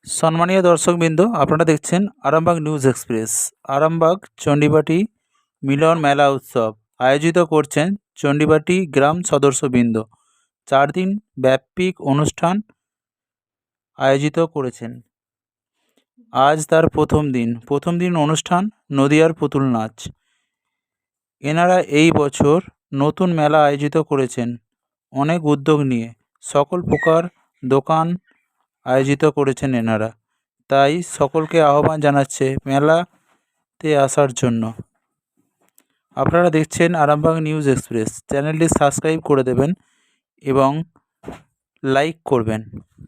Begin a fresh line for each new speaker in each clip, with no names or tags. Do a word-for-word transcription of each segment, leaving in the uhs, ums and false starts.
সম্মানীয় দর্শকবৃন্দ, আপনারা দেখছেন আরামবাগ নিউজ এক্সপ্রেস। আরামবাগ চণ্ডীবাটি মিলন মেলা উৎসব আয়োজিত করছেন চণ্ডীবাটি গ্রাম সদস্যবৃন্দ। চার দিন ব্যাপী অনুষ্ঠান আয়োজিত করেছেন। আজ তার প্রথম দিন প্রথম দিন অনুষ্ঠান নদিয়ার পুতুল নাচ। এনারা এই বছর নতুন মেলা আয়োজিত করেছেন অনেক উদ্যোগ নিয়ে, সকল প্রকার দোকান আয়োজিত করেছেন এনারা। তাই সকলকে আহ্বান জানাচ্ছে মেলাতে আসার জন্য। আপনারা দেখছেন আরামবাগ নিউজ এক্সপ্রেস। চ্যানেলটি সাবস্ক্রাইব করে দেবেন এবং লাইক করবেন।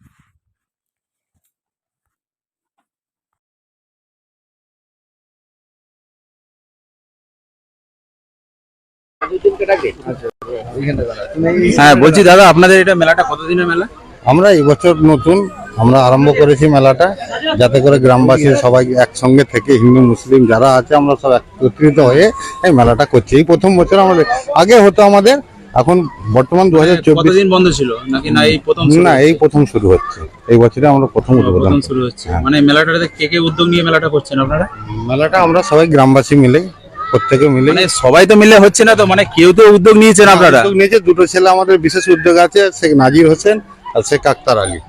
হ্যাঁ বলছি দাদা, আপনাদের এটা মেলাটা কতদিনের মেলা?
আমরা এই বছর নতুন আমরা আরম্ভ করেছি মেলাটা, যাতে করে গ্রামবাসী সবাই একসঙ্গে থেকে হিন্দু মুসলিম যারা আছে আমরা সব একত্রিত হয়ে এই মেলাটা করছি। এই প্রথম বছর আমাদের, আগে হতো আমাদের, এখন বর্তমান দু হাজার চব্বিশ।
কতদিন বন্ধ ছিল নাকি না এই প্রথম?
না, এই প্রথম শুরু হচ্ছে, এই বছরে আমরা প্রথম উদ্বোধন
শুরু হচ্ছে। মানে মেলাটাতে কে কে উদ্যোগ নিয়ে মেলাটা করছেন আপনারা?
মেলাটা আমরা সবাই গ্রামবাসী মিলে, প্রত্যেকে মিলে।
মানে সবাই তো মিলে হচ্ছে না তো, মানে কেউ তো উদ্যোগ নিয়েছেন আপনারা?
উদ্যোগ নিয়েছে দুটো ছেলে, আমাদের বিশেষ উদ্যোগ আছে, শেখ নাজির হোসেন আর শেখ আক্তার আলী।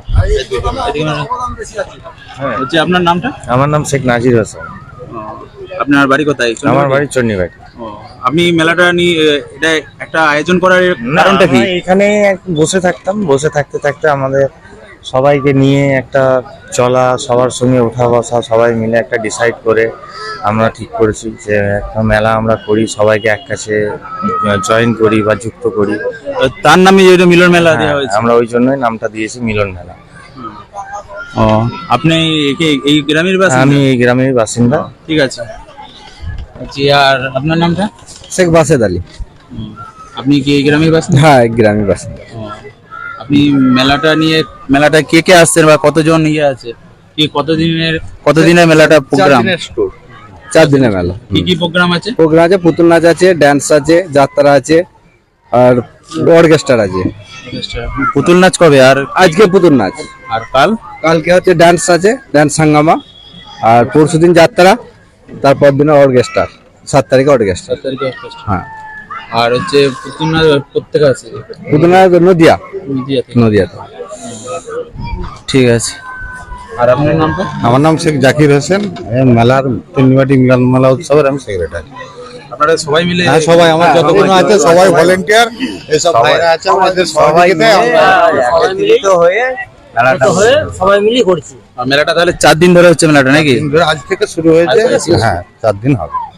হচ্ছে আপনার নামটা?
আমার নাম শেখ নাজির হোসেন।
আপনার বাড়ি কোথায়?
আমার বাড়ি চণ্ডীবাটি।
আপনি মেলাটা নিয়ে এটা একটা আয়োজন করার কারণটা কি?
এখানে বসে থাকতাম, বসে থাকতে থাকতে আমাদের সবাইকে নিয়ে একটা চলা, সবার সঙ্গে ওঠা বসা, সবাই মিলে একটা ডিসাইড করে আমরা ঠিক করেছি যে একটা মেলা আমরা করি, সবাইকে এক কাছে জয়েন করি বা যুক্ত করি।
তার নামে যেটা মিলন মেলা দেওয়া হয়েছে,
আমরা ওই জন্যই নামটা দিয়েছি মিলন মেলা।
ও, আপনি এই গ্রামের বাসিন্দা?
আমি এই গ্রামের বাসিন্দা।
ঠিক আছে। জি, আর আপনার নামটা?
শেখ বাসেদ আলী।
আপনি কি এই গ্রামের বাসিন্দা?
হ্যাঁ, গ্রামের বাসিন্দা।
আপনি মেলাটা নিয়ে, মেলাটা কে কে আসছেন বা কতজন ইয়ে আছে, কি কতদিনের কতদিনের মেলাটা প্রোগ্রাম?
চার দিনের মেলা।
কি কি প্রোগ্রাম আছে?
প্রোগ্রাম আছে, পুতুল নাচ আছে, ড্যান্স আছে, যাত্রা আছে আর অর্কেস্ট্রা আছে।
পুতুল নাচ কবে? আর
আজকে পুতুল নাচ,
আর কাল?
কালকে হচ্ছে ড্যান্স আছে, ড্যান্স হাঙ্গামা, আর পরশুদিন যাত্রা, তারপর দিনে অর্কেস্ট্রা, সাত তারিখে অর্কেস্ট্রা। হ্যাঁ।
আর হচ্ছে পুতুল নাচ প্রত্যেক আছে?
পুতুল নাচ নদিয়া,
নদিয়াতে।
নদিয়াতে।
ঠিক আছে। আর আপনার নামটা?
আমার নাম শেখ জাকির হোসেন, মেলার চণ্ডীবাটি মিলন মেলা উৎসবের আমি সেক্রেটারি।
আপনারা সবাই মিলে?
হ্যাঁ, সবাই আমার যতজন আছে সবাই ভলেন্টিয়ার, এইসব ভাইরা আছে আমাদের সহযোগিতায় আমরা
একত্রিত হয়ে মেলাটা হয়ে সবাই মিলে করছি।
মেলাটা তাহলে চার দিন ধরে হচ্ছে মেলাটা নাকি?
আজ থেকে শুরু হয়েছে। হ্যাঁ, চার দিন হবে।